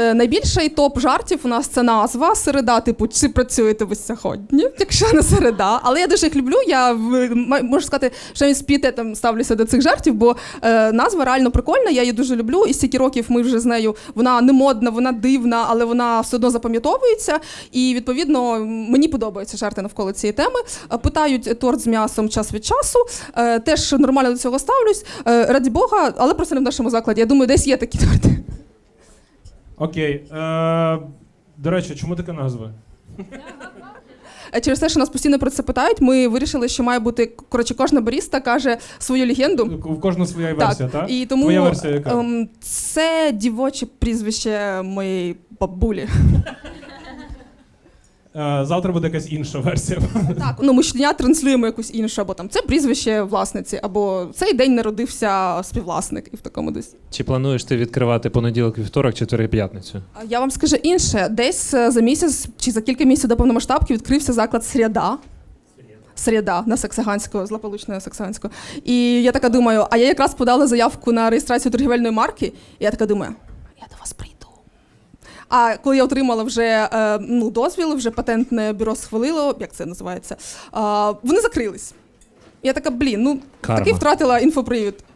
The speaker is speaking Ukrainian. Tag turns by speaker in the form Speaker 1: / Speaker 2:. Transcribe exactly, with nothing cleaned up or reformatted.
Speaker 1: е, найбільший топ жартів у нас це назва середа, типу, чи працюєте ви сьогодні, якщо не середа. Але я дуже їх люблю, я можу сказати, що я з пієтетом ставлюся до цих жартів, бо е, назва реально прикольна, я її дуже люблю, і стільки років ми вже з нею, вона не модна, вона дивна, але вона все одно запам'ятовується, і відповідно мені подобаються жарти навколо цієї теми. Питають торт з м'ясом час від часу, е, теж нормально до цього ставлюсь, е, раді Бога, але просто не в нашому закладі. Я думаю, десь є такі торти.
Speaker 2: Окей. Е, до речі, чому така назва?
Speaker 1: Через те, що нас постійно про це питають, ми вирішили, що має бути, коротше, кожна баріста каже свою легенду.
Speaker 2: У кожного своя версія, так?
Speaker 1: І тому
Speaker 2: Твоя версія яка?
Speaker 1: Ем, це дівоче прізвище моєї бабулі.
Speaker 2: Е, завтра буде якась інша версія.
Speaker 1: Так, ну ми щодня транслюємо якусь іншу, або там це прізвище власниці, або цей день народився співвласник, і в такому десь.
Speaker 3: Чи плануєш ти відкривати понеділок, вівторок, четвер, п'ятницю?
Speaker 1: Я вам скажу інше, десь за місяць чи за кілька місяців до повномасштабки відкрився заклад «Срєда». Срєда на Саксаганського, злополучного Саксаганського. І я така думаю, а я якраз подала заявку на реєстрацію торгівельної марки, і я така думаю, я до вас прийду. А коли я отримала вже е, ну, дозвіл, вже патентне бюро схвалило, як це називається, е, вони закрились. Я така, блін, ну
Speaker 3: Карма.
Speaker 1: таки втратила інфопривід.